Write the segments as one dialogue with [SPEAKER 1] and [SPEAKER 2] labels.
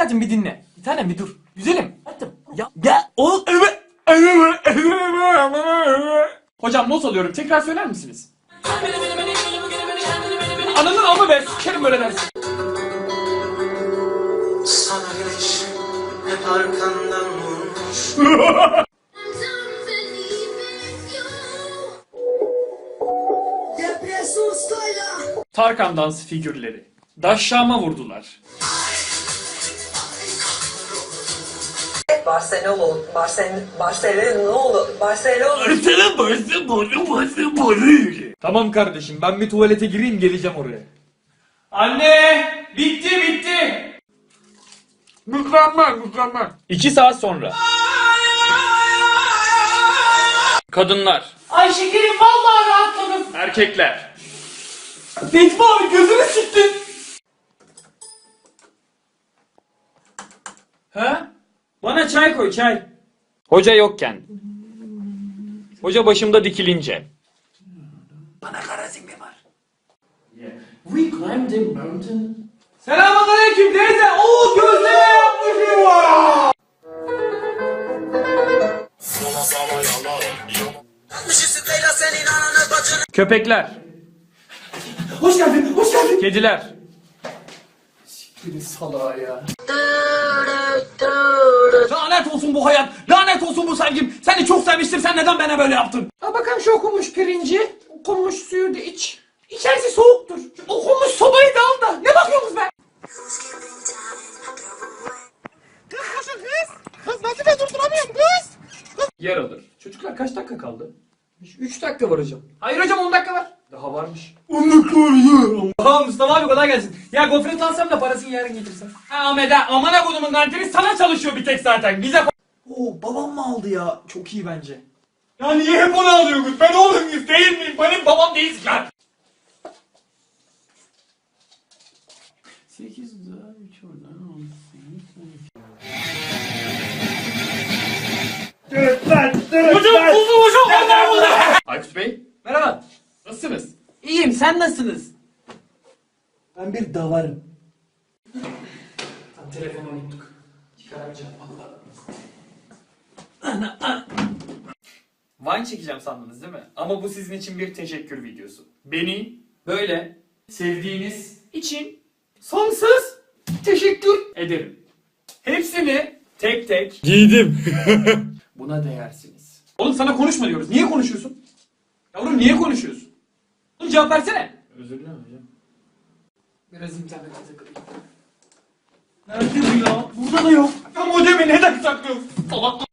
[SPEAKER 1] Hadi bir dinle. Bir tanem bir dur. Güzelim. Hadi. Ya o. Hocam not alıyorum. Tekrar söyler misiniz? Ananın amı be. Sikerim böyle dersin.
[SPEAKER 2] Sana güneş hep arkandan vurmuş.
[SPEAKER 1] Tarkan dans figürleri. Daşşama vurdular. Tamam kardeşim ben bir tuvalete gireyim geleceğim oraya. Anne! Bitti! Mükemmel. 2 saat sonra. Kadınlar.
[SPEAKER 3] Ay şekerim vallahi rahatladım.
[SPEAKER 1] Erkekler. Necmi abi gözünü siktin. Ha? Bana çay koy çay. Hoca yokken. Hoca başımda dikilince. Bana karazimbi var. We climbed a mountain. Selamünaleyküm teyze. Oo gözleme yapmışım var. Köpekler.
[SPEAKER 3] Hoş geldin.
[SPEAKER 1] Kediler.
[SPEAKER 3] Siktirin salağa ya.
[SPEAKER 1] Lanet olsun bu hayat. Lanet olsun bu sevgim. Seni çok sevmiştim. Sen neden bana böyle yaptın?
[SPEAKER 3] Ha bakalım şu okunmuş pirinci. Okunmuş suyu da iç. İçerisi soğuktur. Şu okunmuş sobayı da al da. Ne bakıyorsunuz be? Kız nasıl ben durduramıyorum kız?
[SPEAKER 1] Yer alır. Çocuklar kaç dakika kaldı?
[SPEAKER 3] 3 dakika var hocam.
[SPEAKER 1] Hayır hocam 10 dakika var. Daha varmış. 10 dakika var ya. Tamam Mustafa abi kolay gelsin. Ya gofret alsam da parasını yarın getirsen. Ha Ahmet ha amana kodumun kantini sana çalışıyor bir tek zaten. Bize Oo babam mı aldı ya? Çok iyi bence. Ya niye hep onu alıyorsunuz? Ben oğlum muyuz değil miyim? Benim babam değilsin lan. 8 daha 3 oradan 18. Hocam buldum hocam. Nereden buldum? Aykut Bey. Merhaba. Nasılsınız?
[SPEAKER 3] İyiyim sen nasılsınız?
[SPEAKER 1] Ben bir davarım. Telefonu unuttuk. Çıkaramayacağım valla. Vine çekeceğim sandınız değil mi? Ama bu sizin için bir teşekkür videosu. Beni böyle sevdiğiniz için sonsuz teşekkür ederim. Hepsini tek tek giydim. Buna değersiniz. Oğlum sana konuşma diyoruz. Niye konuşuyorsun? Yavrum niye konuşuyorsun? Oğlum cevap versene. Özür dilerim hocam.
[SPEAKER 3] Biraz internete takılayım.
[SPEAKER 1] Nerede bu ya? Burada da yok. Ya modemi neden saklıyorsun? Salak.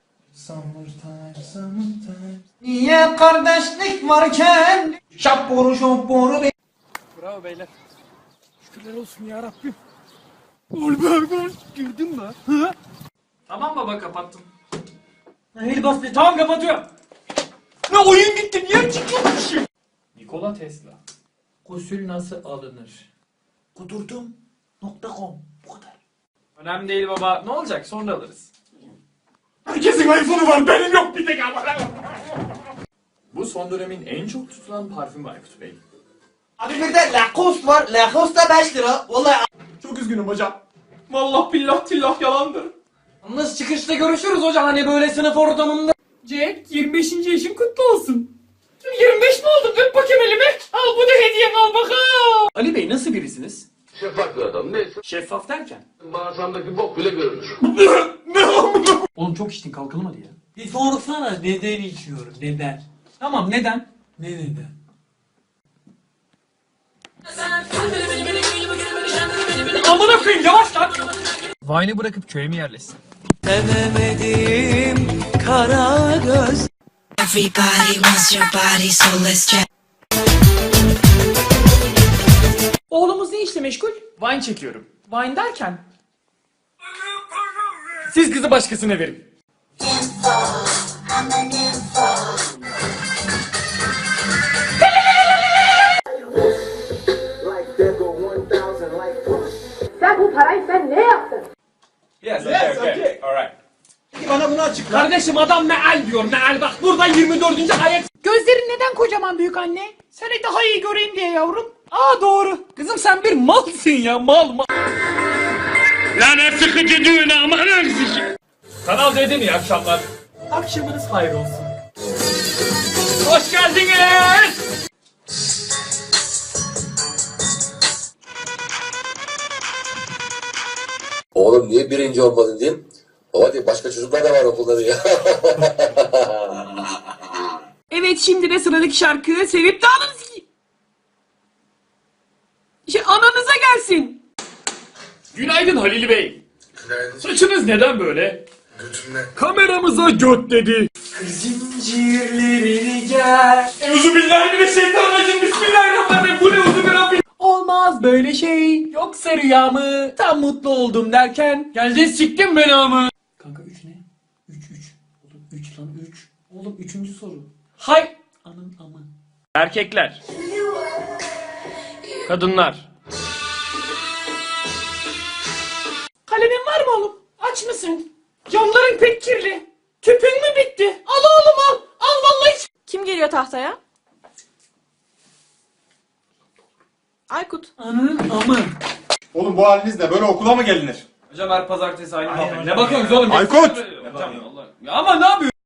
[SPEAKER 3] Niye kardeşlik varken şapboru şapboru be.
[SPEAKER 1] Bravo beyler.
[SPEAKER 3] Şükürler olsun ya Rabbim. Olber girdin mi? Hı?
[SPEAKER 1] Tamam baba kapattım. Hayır bas be. Tamam kapatıyorum. Ne oyun gitti niye çıkıyormuşum? Nikola Tesla.
[SPEAKER 3] Gusül nasıl alınır? Kudurdum.com bu kadar.
[SPEAKER 1] Önemli değil baba. Ne olacak sonra alırız. Herkesin iPhone'u var benim yok bir tek ama. Bu son dönemin en çok tutulan parfümü Aykut Bey.
[SPEAKER 3] Abi bir de Lacoste var. Lacoste da 5 lira. Vallahi.
[SPEAKER 1] Çok üzgünüm hocam. Vallahi billah tillah yalandır.
[SPEAKER 3] Nasıl çıkışta görüşürüz hocam hani böyle sınıf ortamında.
[SPEAKER 1] Jack 25. yaşın kutlu olsun. 25 mi oldun? Öp bakayım elimi. Al bu da hediyem al bakalım. Ali Bey nasıl birisiniz?
[SPEAKER 4] Şeffaf bir adam. Neyse.
[SPEAKER 1] Şeffaf derken?
[SPEAKER 4] Bağırsağımdaki bok bile görünür.
[SPEAKER 1] Oğlum çok içtin kalkalım hadi ya.
[SPEAKER 3] Bir sorsana neden içiyorum neden?
[SPEAKER 1] Tamam neden?
[SPEAKER 3] Ne neden?
[SPEAKER 1] Amına koyayım yavaş lan.
[SPEAKER 5] Vine'ı bırakıp köye mi yerleşsin?
[SPEAKER 3] Sevemedim kara göz.
[SPEAKER 6] Everybody wants your body, so let's check.
[SPEAKER 1] Oğlumuz ne işle meşgul? Wine çekiyorum. Wine derken? Siz kızı başkasına verin.
[SPEAKER 7] Sen bu parayı sen ne yaptın?
[SPEAKER 1] Yes, okay. Alright.
[SPEAKER 3] Bana bunu açıkla.
[SPEAKER 1] Kardeşim adam meal diyor meal bak burada 24. ayet.
[SPEAKER 3] Gözlerin neden kocaman büyük anne? Seni daha iyi göreyim diye yavrum. Aa doğru.
[SPEAKER 1] Kızım sen bir malsın ya mal. Lan hep sıkıcı düğüne aman Kanal D'de mi iyi akşamlar? Akşamınız hayır olsun. Hoş geldiniz.
[SPEAKER 8] Oğlum niye birinci olmadın diyeyim. Baba diyor başka çocuklar da var okulda diyor.
[SPEAKER 3] Evet, şimdi de sıradaki şarkı sevip de ananız ananıza gelsin.
[SPEAKER 1] Günaydın Halil Bey.
[SPEAKER 2] Günaydın.
[SPEAKER 1] Saçınız neden böyle?
[SPEAKER 2] Götümle.
[SPEAKER 1] Kameramıza göt dedi.
[SPEAKER 3] Zincirlerini gel.
[SPEAKER 1] Euzubillahimineşşeytanirracim. Bismillahirrahmanirrahim. Bu ne uzun bir Rabbim.
[SPEAKER 3] Olmaz böyle şey. Yoksa rüya mı? Tam mutlu oldum derken.
[SPEAKER 1] Geldin siktin belamı.
[SPEAKER 3] Kanka 3 ne? 3. Oğlum 3 lan 3. Oğlum 3. soru. Hay. Anın amı.
[SPEAKER 1] Erkekler. Kadınlar.
[SPEAKER 3] Kalemin var mı oğlum? Aç mısın? Camların pek kirli. Tüpün mü bitti? Al oğlum al. Al vallahi.
[SPEAKER 9] Kim geliyor tahtaya? Aykut.
[SPEAKER 3] Anın amı.
[SPEAKER 10] Oğlum bu halinizle böyle okula mı gelinir?
[SPEAKER 1] Hocam her pazartesi aynı muhabbet. Ne bakıyorsunuz oğlum?
[SPEAKER 10] Aykut!
[SPEAKER 1] Ya ama ne yapıyorsun?